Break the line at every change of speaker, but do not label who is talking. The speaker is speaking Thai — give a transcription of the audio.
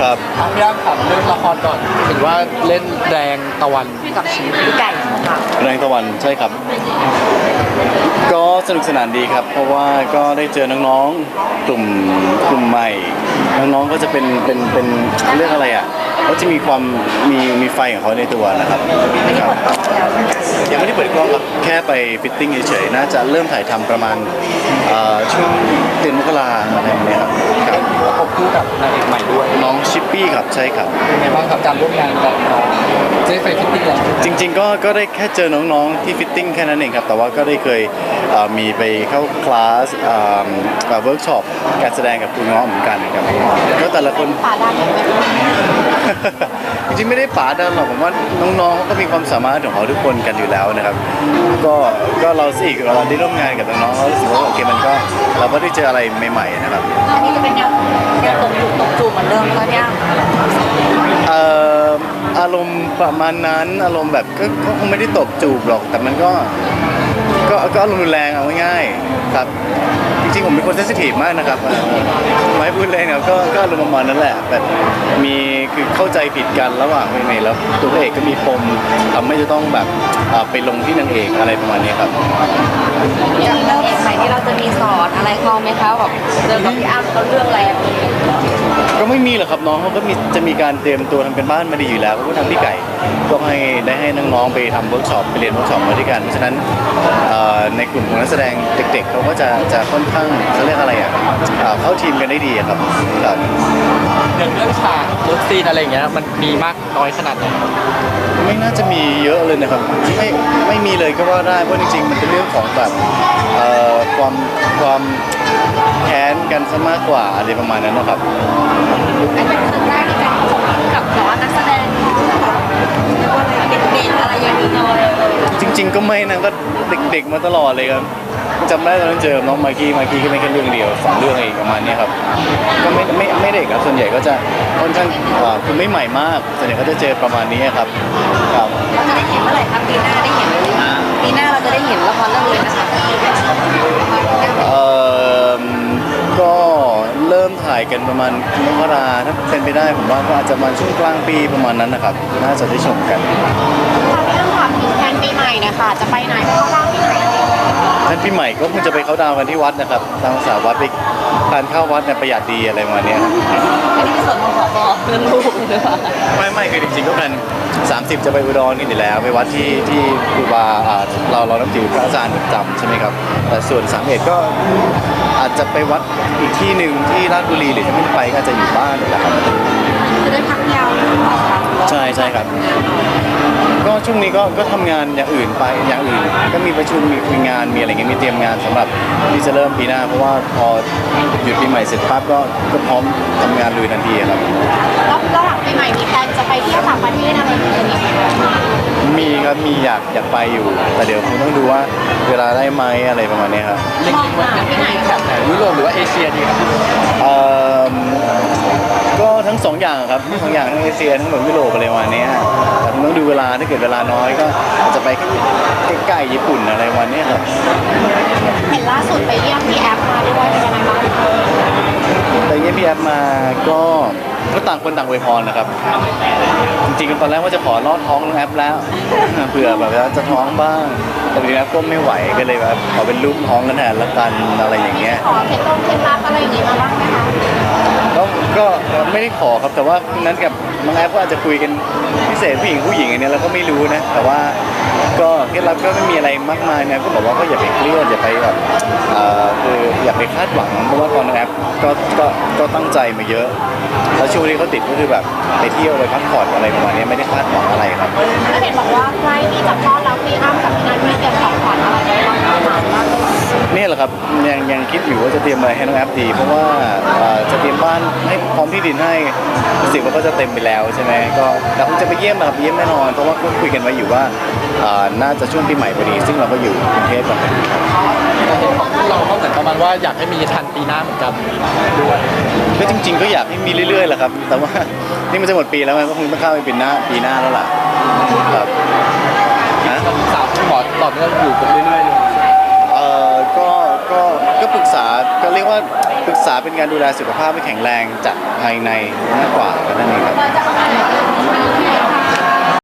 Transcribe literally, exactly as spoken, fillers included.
ครับ
พี่อ้ำครับเรื่องละครก่อนเห็นว่าเล่นแรงตะวัน
กับชีวิตพี่ไก่ค่ะ
แรงตะวันใช่ครับก็สนุกสนานดีครับเพราะว่าก็ได้เจอน้องๆกลุ่มกลุ่มใหม่น้องๆก็จะเป็นเป็นเป็นเรื่องอะไรอ่ะเขาจะมีความมีมีไฟของเขาในตัวนะครับครับยังไม่ได้เปิดกล้องครับแค่ไปฟิตติ้งเฉยๆน่าจะเริ่มถ่ายทำประมาณเอ่อช่วงเดือนมกราอะไรแบบนี้ครับครับ
ประกบคู่กับนางเอกใหม่ด้วย
น้องชิปปี้ครับใช่ครับ
เป็นไงบ้างครับการร่วมงานกับน้องเจ๊ไฟฟิตติ้งแล้ว
จริงๆก็ก็ได้แค่เจอน้องๆที่ฟิตติ้งแค่นั้นเองครับแต่ว่าก็ได้เคยเอ่อมีไปเข้าคลาสเอ่อเวิร์กช็อปการแสดงกับคุณน้องเหมือนกันครับแล้วแต่ละคน
ป่าดันไหม
จริงๆไม่ได้ป๋าดันหรอกผมว่าน้องๆเขาก็มีความสามารถของเขาทุกคนกันอยู่แล้วนะครับก็ก็เราสิเราได้ร่วมงานกับน้องๆเรารู้สึกว่าโอเคมันก็เราก็ได้เจออะไรใหม่ๆนะครับ
อันนี้จะเป็นแนวแนวตกจุกตกจูเหมือนเดิมแล้วเนี่ย
เอ่ออารมณ์ประมาณนั้นอารมณ์แบบก็ก็คงไม่ได้ตบจูบหรอกแต่มันก็ก็ก็อารมณ์รุนแรงเอาง่ายๆครับจริงๆผมเป็นคนเซนซิทีฟมากนะครับไม่พูดเลยเนี่ยก็ก็อารมณ์ประมาณนั้นแหละแบบมีคือเข้าใจผิดกันระหว่างเมย์แล้วตัวพระเอกก็มีปมทำให้จะต้องแบบไปลงที่นางเอกอะไรประมาณนี้ครับ
อย่างเรื่องเอกใหม่ที่เราจะมีสอนอะไรเขาไหมคะแบบเจอกับพี่อ้ำเขาเรื่องอะไร
ก็ไม่มีหรอกครับน้องเขาก็มีจะมีการเตรียมตัวทำเป็นบ้านมาดีอยู่แล้วก็ทำพี่ไก่ก็ให้ได้ให้น้องๆไปทำเวิร์กช็อปไปเรียนเวิร์กช็อปมาด้วยกันเพราะฉะนั้นในกลุ่มของนักแสดงเด็กๆเขาก็จะจะค่อนข้างเขาเรียกอะไรอ่ะเข้าทีมกันได้ดีครับครับ
อย่างเรื่องฉากเลิฟซีนอะไรอย่างเงี้ยมันมีมากน้อยขนาดไหน
ไม่น่าจะมีเยอะเลยนะครับไม่ไม่มีเลยก็ว่าได้เพราะจริงๆมันเป็นเรื่องของแบบความความแค้นกันซะมากกว่าอะไรประมาณนั้นนะครับ
อันนี้เป็นครั้งแรกที่การพบกับแบบว่านักแสดงเด็กๆอะไรอย่างนี้เลย
จริงๆก็ไม่นะก็เด็กๆมาตลอดเลยครับจำได้ตอนนั้นเจอน้องมากกี้มากกี้ก็ไม่แค่เรื่องเดียวสองเรื่องเองประมาณนี้ครับก็ไม่ไม่ไม่เด็กครับส่วนใหญ่ก็จะค่อนข้างคือไม่ใหม่มากส่วนใหญ่ก็จะเจอประมาณนี้ครับ
ครับเราจะได้เห็นเมื่อไหร่ครับปีหน้าได้เห็นปีหน้าเราจะได้เห็นละครเรื่องนี้นะคะ
เอ่อก็เริ่มถ่ายกันประมาณมกราถ้าเป็นไปได้ผมว่าก็อาจจะมาช่วงกลางปีประมาณนั้นนะครับน่าจะได้ชมกัน
เรื่องความถึงแทนปีใหม่นะคะจะไปไหนไปเข้าดาวที่ไหน
ท่านปีใหม่ก็คงจะไปเข้าดาวกันที่วัดนะครับทางสาวัดไปทานข้าววัดเนี่ยประหยัดดีอะไรประมาณนี้
อันนี้เป็นส่วนของขอพรเรื่องลูกหรือเปล่า
ไม่ไม่คือจริงๆก็เป็นสามสิบจะไปอุดรกันอยู่แล้วไปวัดที่ที่ครูบาเราเรานับถือพระอาจารย์ประจำใช่ไหมครับแต่ส่วนสามเอ็ดก็อาจจะไปวัดอีกที่หนึ่งที่ราชบุรีหรือถ้าไม่ไปก็อาจจะอยู่บ้านแหละครับ
จะได้พักยาวหรือเปล่าคะ
ใช่ใช่ครับก็ช่วงนี้ก็ก็ทำงานอย่างอื่นไปอย่างอื่นก็มีประชุมมีคุยงานมีอะไรเงี้ยมีเตรียมงานสำหรับที่จะเริ่มปีหน้าเพราะว่าพอหยุดปีใหม่เสร็จปั๊บก็ก็พร้อมทำงานลุยทันทีครับ
แล้วแล้วหลังปีใหม่มีแพลนจะไปเที่ยวต่างประเทศอะไรอย่างเงี้ย
มีครับมีอยากอยากไปอยู่แต่เดี๋ยวคงต้องดูว่าเวลาได้ไหมอะไรประมาณนี้ครับ
เล็งๆว่าที่ไหนแบบไหนยุโรปหรือว่าเอเชียดีครับ
เอ่อก็ทั้งสองอย่างครับทั้งสองอย่างทั้งเอเชียทั้งแบบยุโรปอะไรประมาณนี้แต่ต้องดูเวลาถ้าเกิดเวลาน้อยก็อาจจะไปใกล้ๆญี่ปุ่นอะไรประมาณนี้ครับ
เห็นล่าสุดไปเยี่ยมพี่แอฟมาด้วยเป็นยังไงบ้าง
ไปเยี่ยมพี่แอฟมาก็ก็ต่างคนต่างอวยพรนะครับจริงๆตอนแรกว่าจะขอลอดท้องน้องแอฟแล้วเผื่อแบบจะท้องบ้างแต่พี่แอฟก็ไม่ไหวก็เลยแบบขอเป็นลูกท้องกันแทนละกันอะไรอย่างเงี้ย
ขอเคล็ดลับเคล็ดลับอะไรอย่างงี้มาบ้างไหมคะ
ก็ก็ไม่ได้ขอครับแต่ว่านั้นกับน้องแอฟก็อาจจะคุยกันพิเศษผู้หญิงผู้หญิงอันนี้เราก็ไม่รู้นะแต่ว่าก็เคล็ดลับก็ไม่มีอะไรมากมายนะก็บอกว่าก็อย่าไปเครียดอย่าไปแบบคืออย่าไปคาดหวังเพราะว่าตอนน้องแอฟก็ก็ก็ตั้งใจมาเยอะแล้วช่วงที่เขาติดก็คือแบบไปเที่ยวไปพักผ่อนอะไรประมาณนี้ไม่ได้คาดหวังอะไรครับ
แล้วเห็นบอกว่าใกล้ที่จะคลอดแล้วพี่อ้ำกับพี่นัทมีเตรียมของขวัญอะไรไว้บ้างหลานบ้าง
นี่แหละครับยังยังคิดอยู่ว่าจะเตรียมอะไรให้น้องแอฟดีเพราะว่าจะเตรียมบ้านให้พร้อมที่ดินให้รู้สึกว่าก็จะเต็มไปแล้วใช่ไหมก็แต่คงจะไปเยี่ยมนะครับเยี่ยมแน่นอนเพราะว่าคุยกันไว้อยู่ว่าน่าจะช่วงปีใหม่พอดีซึ่งเราก็อยู่กรุงเทพกัน
เราก็เหมือนประมาณว่าอยากให้มีทันปีหน้าเหมือนกันด้วย
ก็จริงๆก็อยากให้มีเรื่อยๆแหละครับแต่ว่านี่มันจะหมดปีแล้วมันก็คงต้องเข้าไปปีหน้าปีหน้าแล้วล่ะครับ
นะสาวคุณหมอตอบเรื่องอยู่กันเรื่อยๆเลย
เอ่อก็ก็ก็ปรึกษษาก็เรียกว่าปรึกษาเป็นการดูแลสุขภาพให้แข็งแรงจากภายในมากกว่านั่นเองครับ